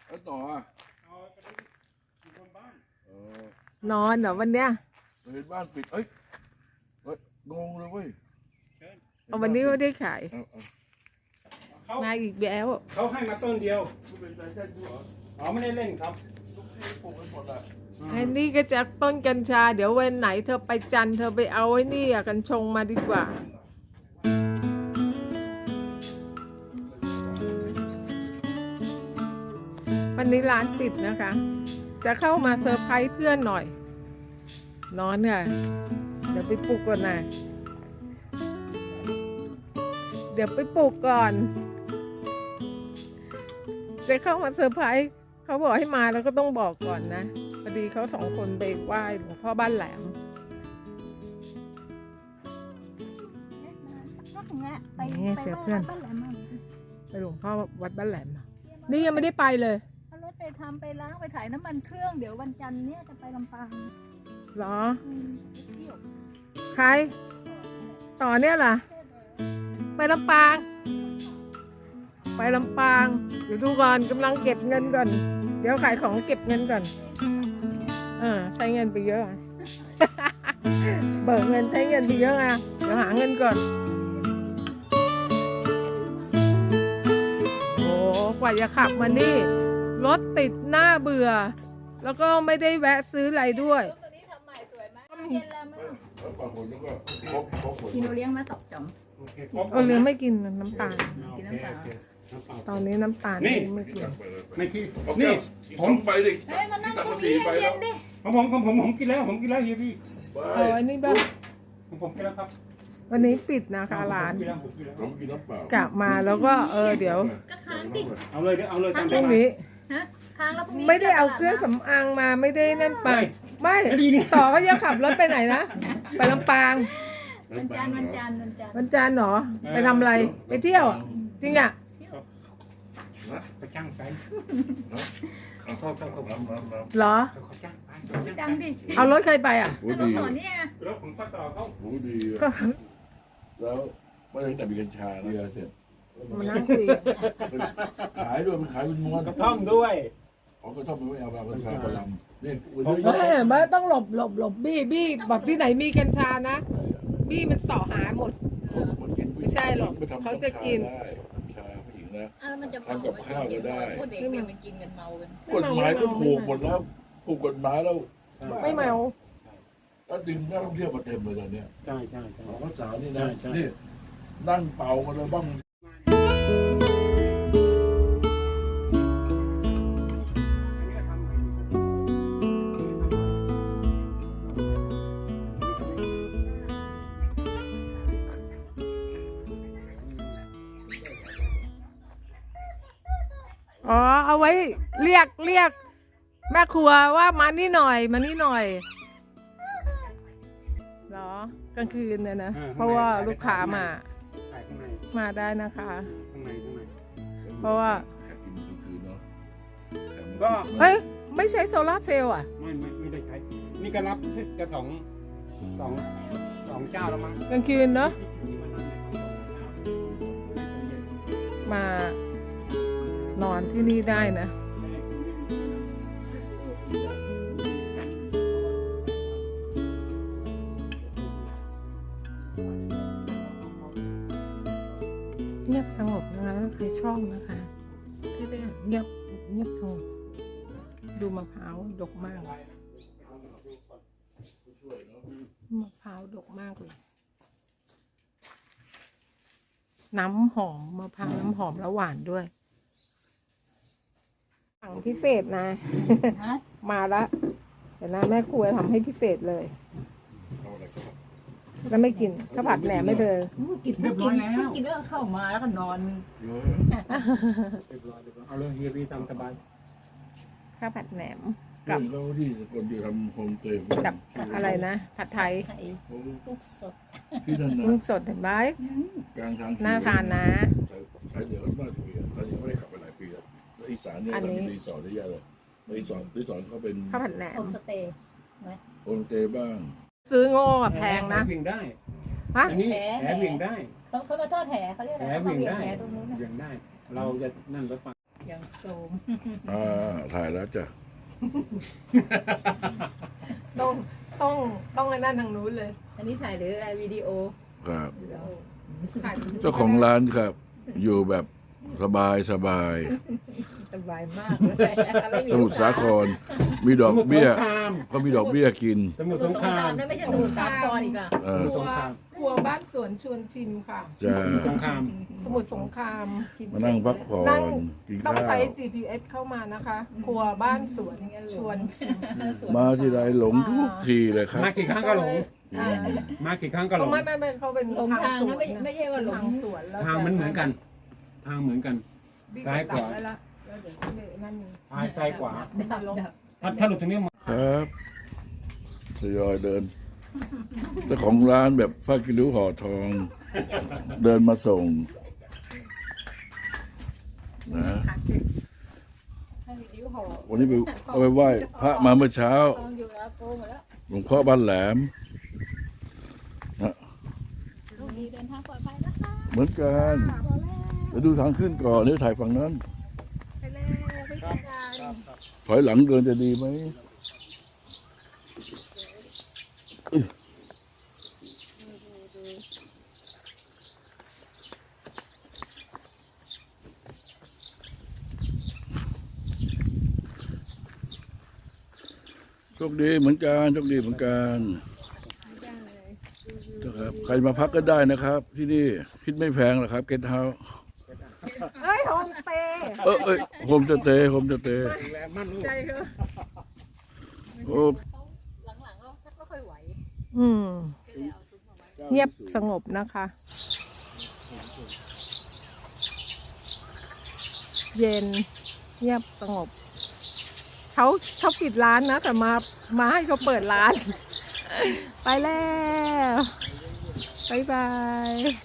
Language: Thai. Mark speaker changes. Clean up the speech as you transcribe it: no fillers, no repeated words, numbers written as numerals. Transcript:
Speaker 1: แล้วต่ออ่ะ
Speaker 2: นอนเหรอวันเนี้ย
Speaker 1: เห็นบ้านปิดเอ้ยงงเลยเว้ย
Speaker 2: วันนี้ก็ได้ขาย
Speaker 3: เขา
Speaker 2: มาอีกแล้ว
Speaker 3: เขาให้มาต้นเดียว
Speaker 1: คุณเป็นใจเส้นด้วยเหรอ
Speaker 3: อ๋อไม่ได้เล่นครับ
Speaker 1: ลูกที่ปลูกไปหมดอ่ะ
Speaker 2: อันนี้ก็จากต้นกัญชาเดี๋ยววันไหนเธอไปจันทร์เธอไปเอาไอ้นี่อะกัญชงมาดีกว่าวันนี้ร้านปิดนะคะ จะเข้ามาเซอร์ไพรส์เพื่อนหน่อย นอนค่ะเดี๋ยวไปปลุกก่อนนะเดี๋ยวไปปลุกก่อนจะเข้ามาเซอร์ไพรส์เขาบอกให้มาแล้วก็ต้องบอกก่อนนะพอดีเขาสองคนไปไหว้หลวงพ่อบ้านแหลมนี่เจอเพื่อนไปหลวงพ่อวัดบ้านแหลมนี่ยังไม่ได้ไปเลย
Speaker 4: เอารถไปทำไปล้างไปถ่ายน้ำมันเครื่องเดี๋ยววันจันทร์เนี่ยจะไปลำปาง
Speaker 2: เหรอ
Speaker 4: เที่ยว
Speaker 2: ใครต่อเนี่ยล่ะไปลำปางไปลำปางเดี๋ยวดูก่อนกำลังเก็บเงินก่อนเดี๋ยวขายของเก็บเงินก่อนใช้เงินไปเยอะ เบิกเงินใช้เงินไปเยอะอ่ะเดี๋ยวหาเงินก่อนโอ้กว่าจะขับมานี่รถติดหน้าเบื่อแล้วก็ไม่ได้แวะซื้ออะไรด้วย
Speaker 4: ตัวนี้ทำใหม่สวยไหมเย็นแล้วมั้ง
Speaker 1: แล้วปลาคนแล้วก็ครบหมด
Speaker 4: กินโอเลี้ยงมาตอบจอม
Speaker 3: โอเค
Speaker 2: เรือไม่กินน้ำตาล
Speaker 4: กินน้ำเปล่า
Speaker 2: ตอนนี้น้ำตาล
Speaker 3: นี่
Speaker 2: ไม่กิน
Speaker 3: ไม่พี่
Speaker 1: นี่
Speaker 3: นี่
Speaker 1: ผ
Speaker 3: ผม ม
Speaker 1: ไปดิ
Speaker 4: เฮ้ยมานั่งตรง
Speaker 1: สี
Speaker 4: นี้
Speaker 1: ไป
Speaker 4: เย็
Speaker 1: แล้ว
Speaker 4: นๆดิ
Speaker 3: ผมกินแล้วเฮียพี่
Speaker 1: ไป
Speaker 2: เอาอันนี้บ้าง
Speaker 3: ผมกินแล้วครับ
Speaker 2: วันนี้ปิดนะคะร้าน
Speaker 1: ผมกินน้ำเปล่าก
Speaker 2: ลับมาแล้วก็เดี๋ยว
Speaker 4: ก็ค้างดิ
Speaker 3: เอาเลยเอาเลยตาม
Speaker 2: พรุ่งนี้
Speaker 4: ฮะค้างแล้วพรุ่งนี้
Speaker 2: ไม่ได้เอาเครื่องสำอางมาไม่ได้นั่นไปไม่
Speaker 3: ดีนี่
Speaker 2: ต่อก็จะขับรถไปไหนนะไปลำปาง
Speaker 4: วันจันทร์
Speaker 2: วันจันทร์เหรอไปทำอะไรไปเที่ยวอะจริงอ่ะ
Speaker 3: ไปจ้างไปเขา
Speaker 2: เหรอ
Speaker 3: จ้างไป
Speaker 4: จังดิ
Speaker 2: เอารถใครไปอ่ะ
Speaker 1: โอ้
Speaker 4: รถ
Speaker 1: ดี
Speaker 4: ต่อเนี่ย
Speaker 3: แล้วผมก็ต่อเขา
Speaker 1: โอ้ดี
Speaker 2: ก็
Speaker 1: แล้วไม่ได้แต่มีกัญชาเรือเสร็จ
Speaker 2: มานั่งคุย
Speaker 1: ขายด้วยมันขายเป็นม้วน
Speaker 3: กระท่อมด้วย
Speaker 1: อ๋อก็ต้องไม่เอากัญชาประลำนี่
Speaker 2: ไม่ต้องหลบบี้บอกที่ไหนมีกัญชานะบี้มันเสาะหาหมด ไม่ใช่หรอกเขาจะกิน
Speaker 1: ได้กัญชาผู้หญิงนะ
Speaker 4: อ้าวแล้วมันจะ
Speaker 1: ทำกับข้าวก็ได้
Speaker 4: พูดเด็กเนี่ยมันกินกันเมากัน
Speaker 1: กฎหมายก็ถูกหมดแล้วถูกกฎหมายแล้ว
Speaker 2: ไม่เมา
Speaker 1: แล้วดึงนักท่องเที่ยวมาเต็มเลยตอนเนี้ย
Speaker 3: ใช่
Speaker 1: ของข้าวสารนี่นะนี่นั่งเป่ากันเลยบ้าง
Speaker 2: อ๋อเอาไว้เรียกแม่ครัวว่ามานี่หน่อยเหรอกลางคืนเนี่ยนะเพราะว่าลูกค้ามาได้นะคะ
Speaker 3: ข้างใน
Speaker 2: เพราะว่า
Speaker 1: แขกกินกลางคืนเนาะ
Speaker 3: ก็
Speaker 2: เอ้ยไม่ใช้โซลาร์เซลล์อ่ะ
Speaker 3: ไม่ได้ใช้นี่ก็รับจะสองเจ้าแล้วมั้ง
Speaker 2: กลางคืนเนาะมานอนที่นี่ได้นะเงียบสงบนะคะแล้วใครชอบนะคะที่เรียกเงียบสงบดูมะพร้าวดกมากมะพร้าวดกมากเลยน้ำหอมมะพร้าวน้ำหอมแล้วหวานด้วยสั่งพิเศษนะ มาแล้วเดี๋ยวนะแม่ครัวทำให้พิเศษเลย
Speaker 1: เอาอะไรครับ
Speaker 2: แล้วไม่กินข้าวผัดแหนมไม่เธอ
Speaker 4: กินแล้วเข้ามาแล้วก็นอน
Speaker 1: เยอะ
Speaker 3: เอาเลยเฮียพี่ตามสบาย
Speaker 2: ข้าวผัดแหนม
Speaker 1: เรื่องเขาที่คนที่ทำโฮมสเตย์
Speaker 2: กับอะไรนะผัดไทย
Speaker 4: ไข่ทุกสด
Speaker 1: ที่นั่นนะ
Speaker 2: กุ้งสดเห็นไหม
Speaker 1: กลางทาง
Speaker 2: น่าทานนะ
Speaker 1: ใช้เดือดมากทีเดียวตอนนี้ไม่ได้ขับไปหลายปีแล้วอีสานเนี่ยเรามีรีสอร์ทได้เยอะเลยรีสอร์ทเขาเป็น
Speaker 2: ข้าวผัดแหน
Speaker 4: โฮ
Speaker 2: ม
Speaker 4: มสเตย์
Speaker 1: โฮมสเตย์บ้าง
Speaker 2: ซื้อโง่อะแพงนะ
Speaker 3: แหวิ่งได้
Speaker 2: ฮะ
Speaker 3: อันนี้แหวิ่งได้
Speaker 4: เขามาทอดแหเขาเรียกอะไร
Speaker 3: แหวิ่งได้
Speaker 4: แหตรงนู้น
Speaker 3: วิ่งได้ เราจะนั่นรถไฟ
Speaker 4: อย่างโสม
Speaker 1: ถ่ายแล้วจ้ะ
Speaker 2: ต้องไอ้นั่นทางนู้นเลย
Speaker 4: อันนี้ถ่ายหรืออะไรวิดีโอ
Speaker 1: ครับ
Speaker 2: ถ่าย
Speaker 1: เจ้าของร้านครับ อยู่แบบสบาย
Speaker 4: สบายมากเลยไม่
Speaker 1: สมุทรสาคร มีดอกเบี้ย
Speaker 3: สมุทรสงคราม
Speaker 1: ก็มีดอกเบี้ยกิน
Speaker 3: สมุทรสงคราม
Speaker 4: นั่นไม่ใช่สมุทรสาครอีกอ่ะ
Speaker 1: เออ
Speaker 2: ครัวบ้านสวนชวนชิมค่ะ
Speaker 1: จะ
Speaker 3: สมุทรสงคราม
Speaker 2: สมุทรสงคราม
Speaker 1: มานั่งพักผ่อ
Speaker 2: นั่ง
Speaker 1: นกิน
Speaker 2: ต้อง
Speaker 1: ข้า
Speaker 2: ใช้
Speaker 1: ว
Speaker 2: GPS เข้ามานะคะ ครัวบ้านสวนชวนชิม
Speaker 1: มาที่ไรหลงทุกทีเลยครับ
Speaker 3: มากี่ครั้งก็หลง
Speaker 2: อ่า
Speaker 3: มากี่ครั้งก็หลง
Speaker 2: ไม่เขาเป็น
Speaker 4: หลงทาง
Speaker 2: สว
Speaker 4: นะ
Speaker 2: น
Speaker 4: ไม่ใช่ว่าหลง
Speaker 2: ทางสวนแล้ว
Speaker 3: ทางมันเหมือนกัน ทางเหมือนกัน ซ้ายขวา
Speaker 2: แล้วเดี๋ยวชื่อนั่นนี่
Speaker 3: ซ้ายขวา
Speaker 4: ดับ
Speaker 3: ถ้าหลุดตรงนี้
Speaker 1: ครับทยอยเดินเจ้าของร้านแบบฟ้ากิริ้วห่อทอง เดินมาส่งนะ
Speaker 4: ให้วิดีโอห่อ
Speaker 1: วันนี้ไปเอาไปไหว้พระมาเมื่อเช้า
Speaker 4: ทองอยู่แล้วโปรหมดแล้ว
Speaker 1: หลวงพ่อบ้านแหลมนะ
Speaker 4: ลูกดีเดินทางปลอดภัยนะคะ
Speaker 1: เหมือนกัน
Speaker 4: พอแล้ว
Speaker 1: เดี๋ยวดูทางขึ้นก่อนเดี๋ยวถ่ายฝั่งนั้น
Speaker 2: ไปแล้วไปกินกัน
Speaker 1: ถอยหลังเดินจะดีไหมโชคดีเหมือนกันโชคดีเหมือนกันนะครับใครมาพักก็ได้นะครับ ที่นี่คิดไม่แพงหรอกครับเกสต์เฮาส์
Speaker 2: เอ้ยโฮมสเตย์
Speaker 1: เอ้ยโฮมสเตย์โฮมสเตย์
Speaker 3: แรงมั่นลูก
Speaker 2: ใจเถอะ
Speaker 1: โอ้
Speaker 4: หลังๆก็ชักไม่ค่อยไหว
Speaker 2: เงียบสงบนะคะ เย็นเงียบสงบเขาปิดร้านนะ แต่มาให้เขาเปิดร้าน ไปแล้ว บ๊ายบาย